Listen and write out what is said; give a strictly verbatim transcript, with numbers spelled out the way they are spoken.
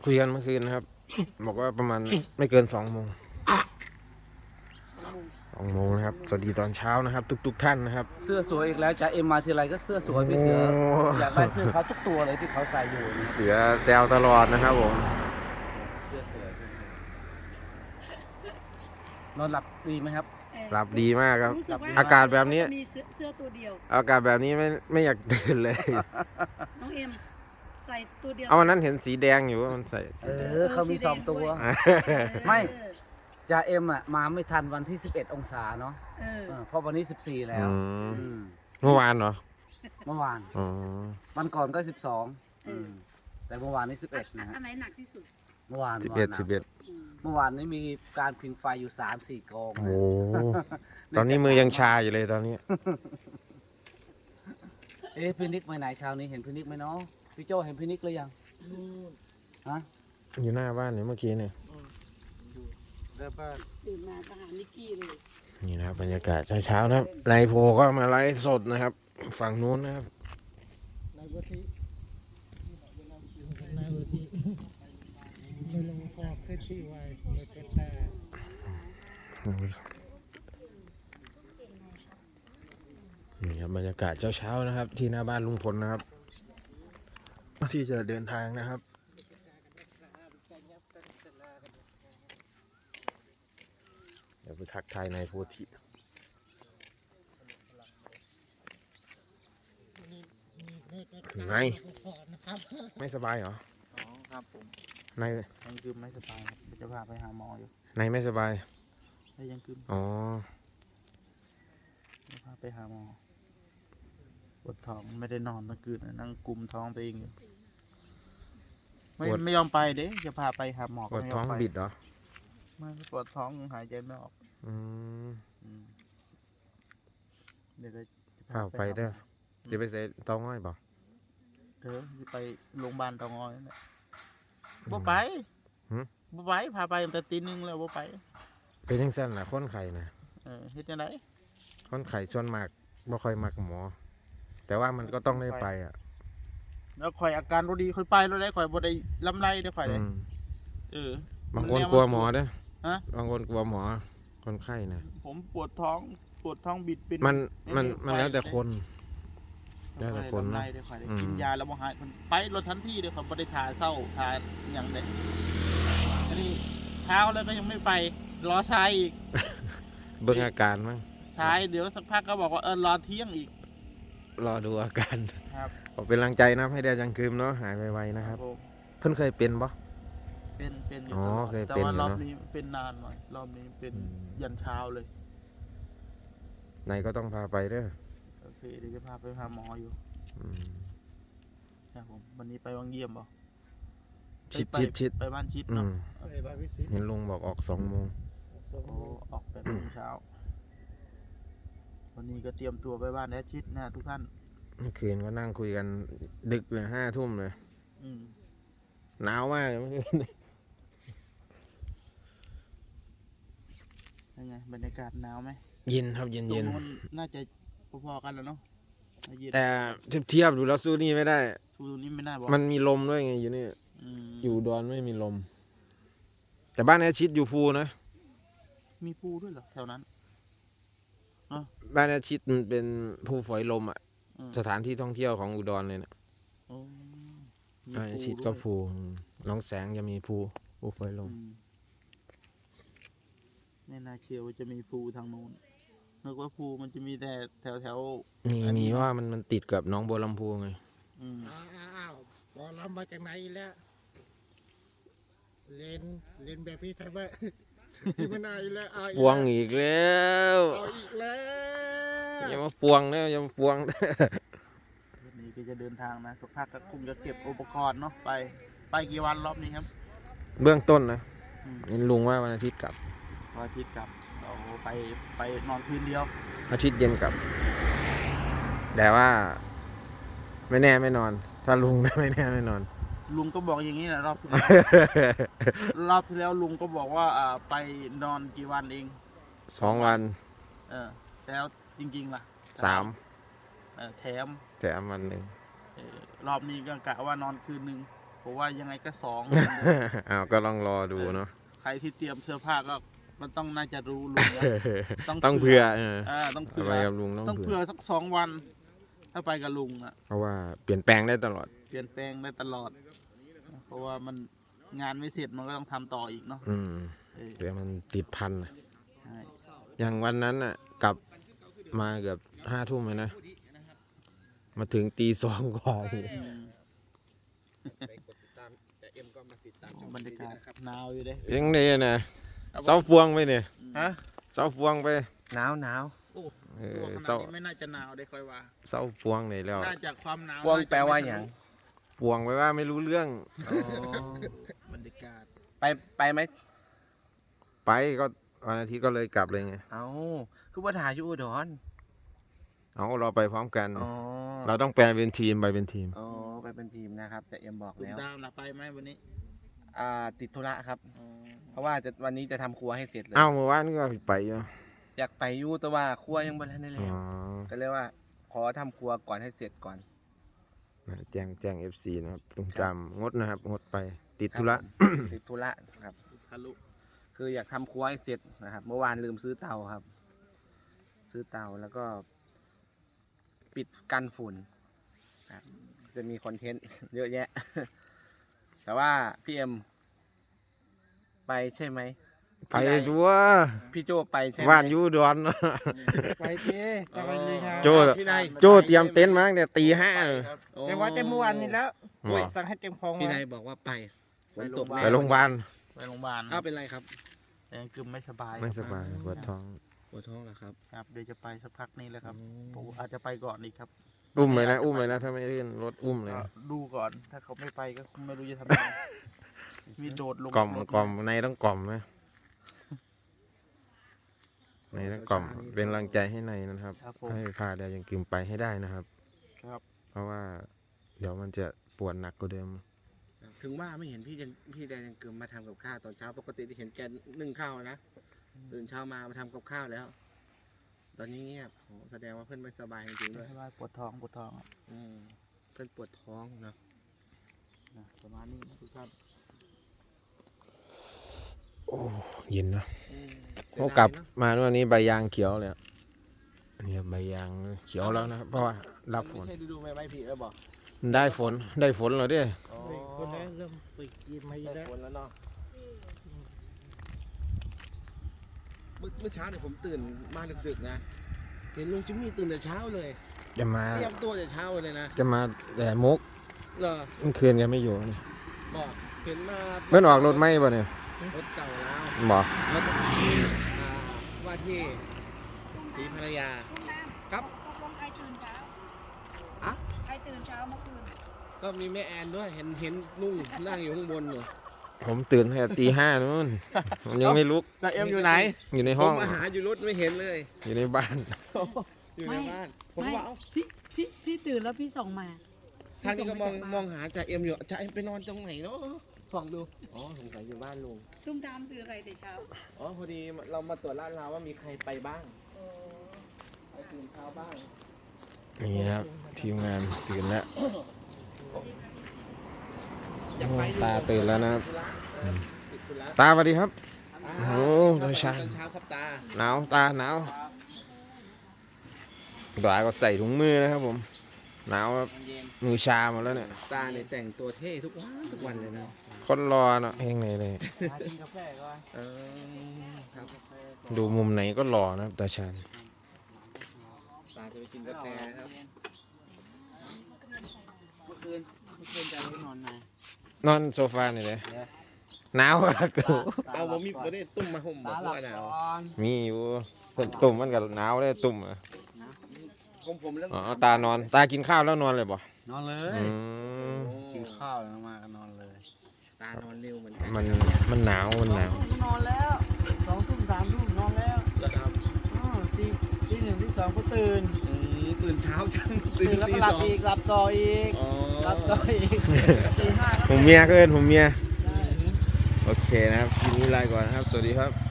คุยกันเมื่อคืนนะครับ บอกว่าประมาณไม่เกินสองโมงสองโมงนะครับสวัสดีตอนเช้านะครับ ทุกๆท่านนะครับเสื้อสวยอีกแล้วจ่าเอ็มมาทีไรก็เสื้อสวยพี่เสือโอ้อยากได้เสื้อเขาทุกตัวเลยที่เขาใส่อยู่นี่เสือแซวตลอดนะครับผมเสื้อสวยนอนหลับดีไหมครับหลับดีมากครับรู้สึกว่อากาศแบบนี้มีเสื้อเสื้อตัวเดียวอากาศแบบนี้ไม่ไม่อยากตื่นเลยน้องเอ็มใส่ตัวเดียวเอาวันนั้นเห็นสีแดงอยู่ว่ามันใส่สีเอแดงอเขามีสองตัวเออไม่ จ่าเอ็มอ่ะมาไม่ทันวันที่สิบเอ็ดองศาเนาะเออเออเพราะวันนี้สิบสี่แล้วอืมอืมเมื่อวานเหรอเมื่อวานอ๋อวันก่อนก็สิบสองอืมแต่เมื่อวานนี้สิบเอ็ดนะฮะอันไหนหนักที่สุดเมื่อวานสิบเอ็ดมื่วานสิบเอ็ดอืมเมื่อวานนี้มีการพิงไฟอยู่สามสี่กองโอ้โหตอนนี้มือยังชาอยู่เลยตอนนี้เอ๊ะพี่นิกไปไหนเช้านี้เห็นพี่นิกไหมเนาะพี่โจเห็นพี่นิกหรือยังฮะอยู่หน้าบ้านเนี่ยเมื่อกี้เนี่ยเริ่มบ้านตื่นมาทหารนิกกี้เลยนี่นะครับบรรยากาศเช้าๆนะครับนายโพก็มาไลฟ์สดนะครับ ฝั่งนู้นนะครับนายวุฒินายวุฒิไม่ลงฟอกเซตที่ไว้เลยเป็นแต่นี่ครับบรรยากาศเช้าๆนะครับ ที่หน้าบ้านลุงพลนะครับที่จะเดินทางนะครับเดี๋ยวไปทักทายนายโพธิไงนะครับไม่สบายเหรออ๋อครับผมนายยังคืมไม่สบายครับจะพาไปหาหมออยู่นายไม่สบายได้ยังคืมอ๋อจะพาไปหาหมอปวดท้องไม่ได้นอนเมื่อคืนนั่งกุมท้องตัวเองอยู่ไม่ไม่ยอมไปเด้จะพาไปหาหมอปก็วดไม่ยท้อองมไปบิดเหรอไม่ปวดท้องหายใจไม่ออกอืมอืมเดี๋ยวก็จะพาไปเด้อจะไปใส่เตาง่อยบ่เออจะไปโรงพยาบาลเตางอยนั่นแหละบ่ไปหึบ่ไปพาไปตั้งแต่ตีหนึงแล้วบ่ไปเป็นยังสั้นนะคนไข้นะเออเฮ็ดจังไดคนไข้ส่วนมากบ่ค่อยมักหมอ แต่ว่ามันก็ต้องได้ไปอ่ะแล้วข่อยอาการบ่ดีข่อยไปแล้วได้ข่อยบ่ได้ลำไรได้ข่อยได้อืมเออบางคนกลัวหมอเด้อฮะบางคนกลัวหมอ คนไข้นะผมปวดท้องปวดท้องบิดเป็นมันมันเอ้ยมันแล้วแต่คนไปแล้วแต่คนลำไรนะได้ข่อยได้อืมกินยาแล้วบ่หายมันไปรถทันทีเด้อข่อยบ่ได้ทาเศร้าทาหยังเด้อันนี้เช้าแล้วก็ยังไม่ไปรอสายอีกเบิ่งอาการมั้งสายเดี๋ยวสักพักก็บอกว่าเออรอเที่ยงอีกรอดูอาการครับขอเป็นกำลังใจนะให้ได้จังคืมเนาะหายไวๆนะครับผมเพิ่นเคยเป็นบ่เป็นเป็นอยู่อ๋อตลอดเคยแต่เป็นว่าอยู่รอบเนอะนี้เป็นนานหน่อยรอบนี้เป็นอืมยันเช้าเลยนายก็ต้องพาไปเด้อโอเคเดี๋ยวจะพาไปหาหมออยู่อืมครับผมวันนี้ไปวังเยี่ยมบ่ชิดไปชิดชิดไปบ้านชิดอืเนาะมไอ้บาวิสิตเห็นลุงบอกออกสองโมงโอ้ออกแปดโมงเช้า วันนี้ก็เตรียมตัวไปบ้านแอดชิดนะทุกท่านเมื่อคืนก็นั่งคุยกันดึกเลยห้าทุ่มเลยอืมหนาวมากเลยเมื่อคืนยังไงบรรยากาศหนาวไหมเย็นครับเย็นตรเย็งนนู้นน่าจะพอๆกันแล้วเนาะเย็นแต่เทียบเทียบดูแล้วสู้นี่ไม่ได้ทูนี้ไม่น่าบอกมันมีลมด้วยไงอยู่นี่อืมอยู่ดอนไม่มีลม แต่บ้านแอร์ชิดอยู่ภูนะมีปูด้วยเหรอแถวนั้นบ้านแอร์ชิดมันเป็นภูฝอยลมอ่ะอืมสถานที่ท่องเที่ยวของอุดรเลยนะโอ้มีบ้านแอร์ชิดด้ก็วยภูอืมหน้องแสงจะมีภูภูฝอยลมอืมไม่น่าเชื่อว่าจะมีภูทางโน้นนึกว่าภูมันจะมีแต่แถวแถวมีอันนี้มีว่ามันมันติดกับหน้องบัวลำพูไงๆอืมอ้าวอ้าวบอลเรามาจากไหนอีกแล้วเล่นเล่นแบบพี่ไทยบ้าที่ไม่น่าอีกแล้วเอาอีกปวงอีกแล้วเอาอีกแล้วอย่ามาปวงนะอย่ามาปวงวันนี้ก็จะเดินทางนะสักพักก็คงจะเก็บอุปกรณ์เนาะไป ไปกี่วันรอบนี้ครับเบื้องต้นนะอืมเห็นลุงว่าวันอาทิตย์กลับวันอาทิตย์กลับเราไปไปนอนคืนเดียวอาทิตย์เย็นกลับ แต่ว่า ไม่แน่ไม่นอน ถ้าลุง ไม่แน่ไม่นอนลุงก็บอกอย่างนี้แหละรอบที่แล้ว รอบที่แล้วลุงก็บอกว่าอ่าไปนอนกี่วันเองสองวันเออแล้วจริงๆล่ะสามเออแถมแต่วันหนึ่งเออรอบนี้ก็กะว่านอนคืนหนึ่งเพราะว่ายังไงก็สองอ้าวก็ลองรอดูเนาะใครที่เตรียมเสื้อผ้าก็มันต้องน่าจะรู้ลุงนะต้องเผื่อเออเออต้องเอาเผื่ไปอกับลุงต้องต้องเผื่เผื่ออสักสองวัน ถ้าไปกับลุงนะเพราะว่าเปลี่ยนแปลงได้ตลอดเปลี่ยนแปลงได้ตลอด เพราะว่ามันงานไม่เสร็จมันก็ต้องทำต่ออีกเนาะอืมเออเดี๋ยวมันติดพันน่ะใช่อย่างวันนั้นน่ะกลับมาเกือบห้าทุ่มเลยนะ มาถึงตีสองกว่าอีกอืมโอ้บรรยากาศหนาวอยู่เด้ยังไงนะเสาฟวงไปเนี่ยฮะเสาฟวงไปหนาวหนาวเอตัวอขเสานาดนี้ไม่น่าจะหนาวได้ค่อยว่าเสาฟวงไหนแล้วน่าจะความหนาววงน่จะแปลว่าไม่อย่างฟวงไปว่าไม่รู้เรื่องบรรยากาศไปไปไหมไปก็วันอาทิตย์ก็เลยกลับเลยไงเอาคือว่าถ่ายอยู่อุดรเอาเราไปพร้อมกันอ๋อเราต้องแปลเป็นทีมไปเป็นทีมอ๋อไปเป็นทีมนะครับแต่เอ็มบอกตุ้มแล้วตามนะไปไหมวันนี้อ่าติดธุระครับ เพราะว่าจะวันนี้จะทำครัวให้เสร็จเลยเอ้าเมื่อวานก็ไปอยู่อยากไปอยู่แต่ว่าครัวยังไม่ทันได้อ๋แล้วอก็เลยว่าขอทำครัวก่อนให้เสร็จก่อนแจ้งแจ้งเอฟซีนะครับลุงจำงดนะครับ งดไปติดธุระติดธุระครับทะลุคืออยากทำครัวให้เสร็จนะครับ เมื่อวานลืมซื้อเตาครับ ซื้อเตาแล้วก็ ปิดกันฝุ่นครับจะมีคอนเทนต์ เยอะแยะ แต่ว่าพี่เอ็มไปใช่ไหมไปจัวพี่โจไปใช่ไหมบ้านอยูดอนไปเจ๊จะไปเลยครับโจ้พี่นายโจเตรียมเต็นท์มาตั้งแต่ตีห้าเลยแต่ว่าแต่เมื่อวานนี้แล้วหมอสั่งให้เต็มคลองพี่ไว้นายบอกว่าไปฝนตกไปโรงพยาบาลไปโรงพยาบาลอ้าวเป็นไรครับแต่ยังกึมไม่สบายไม่สบายปวดท้องปวดท้องเหรอครับครับเดี๋ยวจะไปสักพักนี้แหละครับผมอาจจะไปก่อนอีกครับอุ้มเลยนะ อุ้มเลยนะ ถ้าไม่ลื่นรถอุ้มเลยก็นะดูก่อนถ้าเขาไม่ไปก็คงไม่รู้จะทำยังไงมีโดดลงกล่อมรถกล่อมในต้องกล่อมนะในต้องกล่อมเป็นกำลังใจให้ในนะครับครับผมให้พาเดียวยังกึมไปให้ได้นะครับครับเพราะว่า เดี๋ยวมันจะปวดหนักกว่าเดิมถึงว่าไม่เห็นพี่ยังพี่แดนยังเกิมมาทำกับข้าวตอนเช้าปกติที่เห็นแกนึ่งข้าวนะตื่นเช้ามามาทำกับข้าวแล้ว ตอนนี้เงียบโหแสดงว่าเพื่อนไม่สบายจริงๆด้วยไม่สบายปวดท้องปวดท้องครับอืมเพื่อนปวดท้องเนาะนะประมาณนี้นะทุกท่านโอ้เย็นเนอะอืมเขากลับมาวันนี้ใบยางเขียวเลยอะอันนี้ใบยางเขียวแล้วนะครับ เพราะว่ารับฝไม่นใช่ฤดูใบไม้ผลิแล้วบอกได้ฝน ได้ฝนแล้วเด้อ๋อเฮ้ยคนนั้นเริ่มไปกินมาอีกได้แล้วฝนแล้วเนาะเมื่อเมื่อเช้าเนี่ยผมตื่นมาดึกๆนะเห็นลุงจิมมี่ตื่นแต่เช้าเลยจะมาเตรียมตัวแต่เช้าเลยนะจะมาแต่มุกเหรอเมื่อคืนกันไม่อยู่นี่บอกเห็นมาเมื่อออกรถไหมป่ะเนี่ยรถเก่าแล้วบอกรถอ่าว่าที่ศรีภรรยา ครับตกลงใครตื่นเช้าอะใครตื่นเช้าเมื่อคืนก็มีแม่แอนด้วยเห็นเห็นลุงนั่งอยู่ข้างบนอยู่ผมตื่นตั้งแต่ตีห้านู่นผมยังไม่ลุกแล้วเอ็มอยู่ไหนอยู่ในผห้อมงมาหาอยู่รถไม่เห็นเลยอยู่ในบ้านอยู่ในบ้าน ผมไม่ว่าเอ้าพี่พี่พี่ตื่นแล้วพี่ส่งมาทางนี้ก็มองพี่ส่ไปจากบ้านมองหาจ่าเอ็มอยู่จ่าเอ็มไปนอนตรงไหนเนาะส่องดูอ๋อสงสัยอยู่บ้านลุงตุ้มตามซื้ออะไรแต่เช้าอ๋อพอดีเรามาตรวจลาดเราว่ามีใครไปบ้างไปตื่นเช้าบ้างนี่นะครับทีมงานตื่นแล้วอยากไปอยู่ตาตื่นแล้วนะครับธุระเออติดธุระตาสวัสดีครับอ่าโอ้ตอนเช้าตอนเช้าครับตาหนาวตาหนาวตาก็ใส่ถุงมือนะครับผมหนาวครับเย็นมือชาหมดแล้วเนี่ยตาเนี่ยแต่งตัวเท่ทุกวันทุกวันเลยนะคนรอเนาะเฮงไหนเลยหากินกาแฟก่อนเออครับดูมุมไหนก็หล่อนะครับตาชาญตาจะไปกินกาแฟครับเมื่อคืนเมื่อคืนจะไปนอนไหนนอนโซฟานี่เลยหนาวอะกูเอาผมมีประเด็นตุ้มมาห่มบอกว่าหนาวมีอยู่ตุ่มมันกับหนาวเลยตุ่มอะผมผมเรื่องอ๋อตานอนตากินข้าวแล้วนอนเลยบ่นอนเลยอืมกินข้าวแล้วมาก็นอนเลยตานอนเร็วเหมือนกันมันมันหนาวมันหนาวนอนแล้วสองทุ่มสามทุ่มนอนแล้วแล้วครับอ๋อตีตีหนึ่งตีสองก็ตื่นอืมตื่นเช้าจังตื่นแล้วก็หลับอีกหลับต่ออีกอ๋อหลับต่ออีกตีห้าก็ผมเมียก็เอินผมเมียได้โอเคนะครับทีนี้ลาก่อนนะครับ สวัสดีครับ